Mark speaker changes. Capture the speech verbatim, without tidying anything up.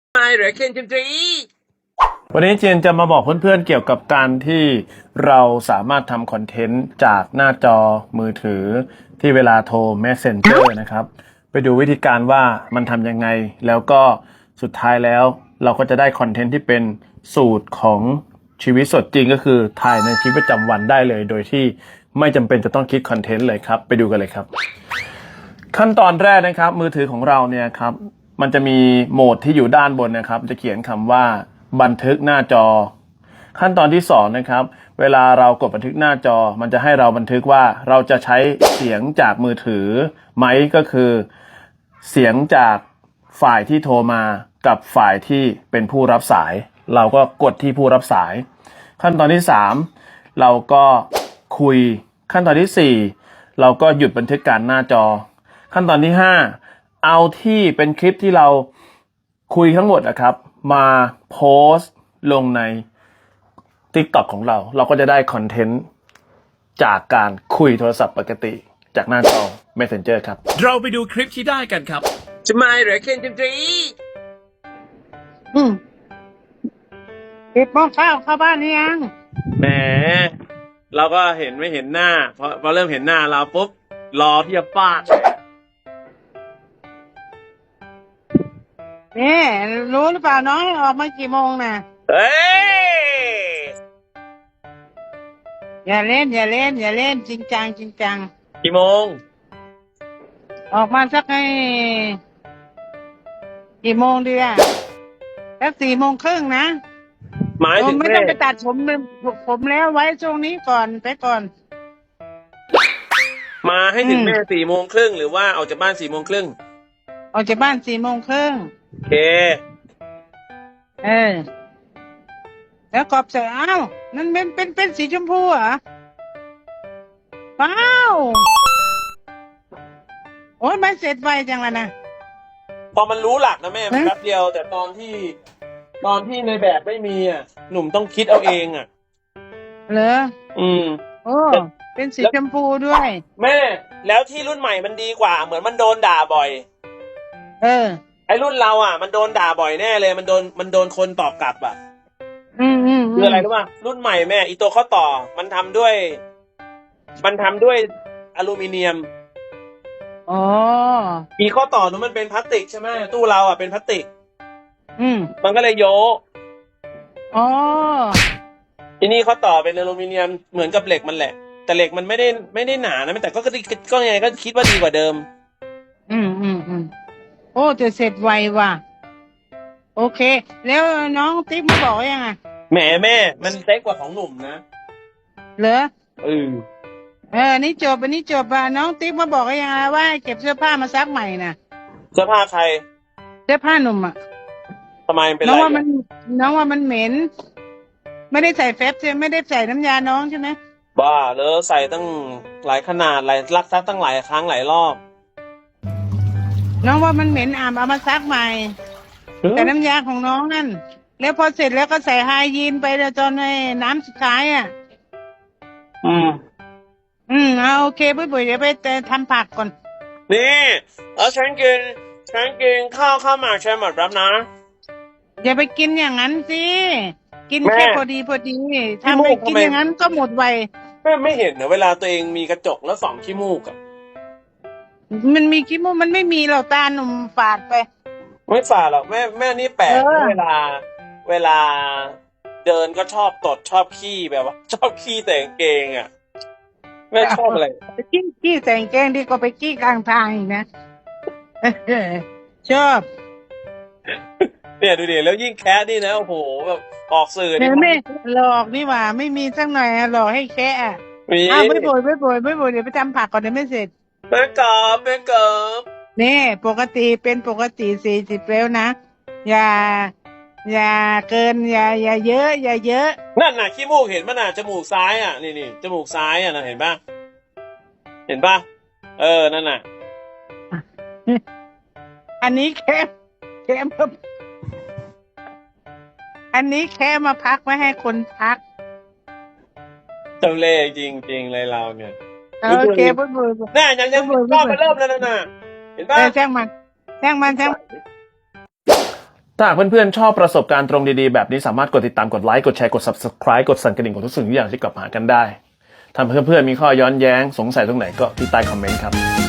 Speaker 1: ไม่เหรอเคนจิมตรี
Speaker 2: วันนี้เจนจะมาบอกเพื่อนๆเกี่ยวกับการที่เราสามารถทำคอนเทนต์จากหน้าจอมือถือที่เวลาโทร Messenger นะครับไปดูวิธีการว่ามันทำยังไงแล้วก็สุดท้ายแล้วเราก็จะได้คอนเทนต์ที่เป็นสูตรของชีวิตสดจริงก็คือถ่ายในชีวิตประจำวันได้เลยโดยที่ไม่จำเป็นจะต้องคิดคอนเทนต์เลยครับไปดูกันเลยครับขั้นตอนแรกนะครับมือถือของเราเนี่ยครับมันจะมีโหมดที่อยู่ด้านบนนะครับจะเขียนคำว่าบันทึกหน้าจอขั้นตอนที่สองนะครับเวลาเรากดบันทึกหน้าจอมันจะให้เราบันทึกว่าเราจะใช้เสียงจากมือถือไหมก็คือเสียงจากฝ่ายที่โทรมากับฝ่ายที่เป็นผู้รับสายเราก็กดที่ผู้รับสายขั้นตอนที่สามเราก็คุยขั้นตอนที่สี่เราก็หยุดบันทึกการหน้าจอขั้นตอนที่ห้าเอาที่เป็นคลิปที่เราคุยทั้งหมดนะครับมาโพสต์ลงใน TikTok ของเราเราก็จะได้คอนเทนต์จากการคุยโทรศัพท์ปกติจากหน้าจอ Messenger ครับเราไปดูคลิปที่ได้กันครับ
Speaker 1: จะไม่เหรอเคนจิมตรี
Speaker 3: อืมปิดหม้อข้าวเข้าบ้านหรือยัง
Speaker 2: แหมเราก็เห็นไม่เห็นหน้าพอพอเริ่มเห็นหน้าเราปุ๊บรอที่จะฟาด
Speaker 3: นี่รู้หรือเปล่าน้องให้ออกมากี่โมงน่ะ
Speaker 2: เฮ้ย
Speaker 3: อย่าเล่น อย่าเล่น อย่าเล่นจริงจังจริงจัง
Speaker 2: กี่โมง
Speaker 3: ออกมาสักให้กี่โมงดีอ่ะสักสี่โมงครึ่งนะ
Speaker 2: หมายถึง
Speaker 3: ไม่
Speaker 2: แม่
Speaker 3: ต้องไปตัดผมผมแล้วไว้ช่วงนี้ก่อนไปก่อน
Speaker 2: มาให้ถึงแม่สี่โมงครึ่งหรือว่าออกจากบ้านสี่โมงครึ่ง
Speaker 3: ออกจากบ้านสี่โมงครึ่ง
Speaker 2: โอเค
Speaker 3: เออแล้วกรอบเสร็จอ้าวนั่นเป็นเป็นเป็นสีชมพูเหรอว้าวโอ้ยมันเสร็จไวจังเลยนะ
Speaker 2: พอมันรู้หลักนะแม่มันแป๊บเดียวแต่ตอนที่ตอนที่ในแบบไม่มีอ่ะหนุ่มต้องคิดเอาเองอ่ะ
Speaker 3: เหรอ
Speaker 2: อืม
Speaker 3: โอ้เป็นสีชมพูด้วย
Speaker 2: แม่แล้วที่รุ่นใหม่มันดีกว่าเหมือนมันโดนด่าบ่อย
Speaker 3: เออ
Speaker 2: ไอ้รุ่นเราอ่ะมันโดนด่าบ่อยแน่เลยมันโดนมันโดนคนตอบกลับอ่ะ
Speaker 3: อืมอืม
Speaker 2: คืออะไรรู้ป่ะรุ่นใหม่แม่อีตัวข้อต่อมันทำด้วยมันทำด้วยอลูมิเนียม
Speaker 3: อ๋อ
Speaker 2: อีข้อต่อนู้นมันเป็นพลาสติกใช่ไหมตู้เราอ่ะเป็นพลาสติก
Speaker 3: อืม
Speaker 2: มันก็เลยโยก
Speaker 3: อ๋อ
Speaker 2: ทีนี้ข้อต่อเป็นอลูมิเนียมเหมือนกับเหล็กมันแหละแต่เหล็กมันไม่ได้ไม่ได้หนานะแต่ก็ก็ก็ยังไงก็คิดว่าดีกว่าเดิม
Speaker 3: อืมอืมอืมโอ้จะเสร็จไวว่ะโอเคแล้วน้องติ๊กมาบอกยังไง
Speaker 2: แหมแม่มันเซ็กกว่าของหนุ่มนะ
Speaker 3: เหรอ
Speaker 2: เออ
Speaker 3: เออนี่จบอันนี้จบอ่ะน้องติ๊กมาบอกยังไงว่าเก็บเสื้อผ้ามาซักใหม่น่ะ
Speaker 2: เสื้อผ้าใคร
Speaker 3: เสื้อผ้าหนุ่มอ่ะ
Speaker 2: ทำไมเป็นไร
Speaker 3: น้องว่ามันน้องว่ามันเหม็นไม่ได้ใส่แฟบใช่ไม่ได้ใส่น้ำยาน้องใช่ไหม
Speaker 2: บ้าเลยใส่ตั้งหลายขนาดหลายรักซักตั้งหลายครั้งหลายรอบ
Speaker 3: น้องว่ามันเหม็นอ่ะเอามาซักใหม่แต่น้ำยาของน้องนั่นแล้วพอเสร็จแล้วก็ใส่ไฮยีนไปแล้วจนในน้ำสุดท้ายอ่ะ
Speaker 2: อืม
Speaker 3: อืมเอาโอเคปุ้ยปุ้ยเดี๋ยวไปทำผักก่อน
Speaker 2: นี่เออฉันกินฉันกินข้าวข้าวหมากฉันหมดแล้วนะ
Speaker 3: อย่าไปกินอย่างนั้นสิกินแค่พอดีพอดีถ้าไม่กินอย่างนั้นก็หมดไว
Speaker 2: แม่ไม่เห็นเหรอเวลาตัวเองมีกระจกแล้วส่องขี้มูกอะ
Speaker 3: มันมีขี้มูกมันไม่มีหรอกตาหนุ่มฝาดไป
Speaker 2: ไม่ฝ่าหรอกแม่แม่นี่แปลกเวลาเวลาเดินก็ชอบตดชอบขี้แบบว่าชอบขี้แต่งเกงอ่ะแม่ชอบอะไร
Speaker 3: ขี้ขี้แต่งแกงดีกว่าไปขี้กลางทางอีกนะชอบ
Speaker 2: เนี่ยดูดิแล้วยิ่งแคะนี่นะโอ้โหแบบออกสื่อนี่
Speaker 3: ไม่หลอกนี่หว่าไม่มีสักหน่อยหลอกให้แค่อ่ะอ้าวไม่บ่นไม่บ่นไม่บ่นเดี๋ยวไปทำผักก่อนเดี๋ยวไม่เสร็จ
Speaker 2: แม่กอบแม่กอบ
Speaker 3: นี่ปกติเป็นปกติสี่สิบแล้วนะอย่าอย่าเกินอย่าอย่าเยอะอย่าเยอะ
Speaker 2: นั่นน่ะขี้มูกเห็นมั้ยน่ะจมูกซ้ายอ่ะนี่นี่จมูกซ้ายอ่ะนะเห็นป่ะเห็นป่ะเออนั่นน่ะ
Speaker 3: อันนี้แค่แค่มาอันนี้แค่มาพักไม่ให้คนพัก
Speaker 2: เจ้าเล่ห์จริงๆเลยเราเนี่ย
Speaker 3: โอเคบุญบุญ
Speaker 2: น่ายังยังก็ไปเริ่มแล้วนะน่ะเห็นป่ะ
Speaker 3: แจ้งมันแจ้งมันแจ้ง
Speaker 2: ถ้าหากเพื่อนๆชอบประสบการณ์ตรงดีๆแบบนี้สามารถกดติดตามกดไลค์กดแชร์กด Subscribe กดสั่นกระดิ่งกดทุกสิ่งทุกอย่างที่กลับมาหากันได้ถ้าเพื่อนๆมีข้อย้อนแย้งสงสัยตรงไหนก็ที่ใต้คอมเมนต์ครับ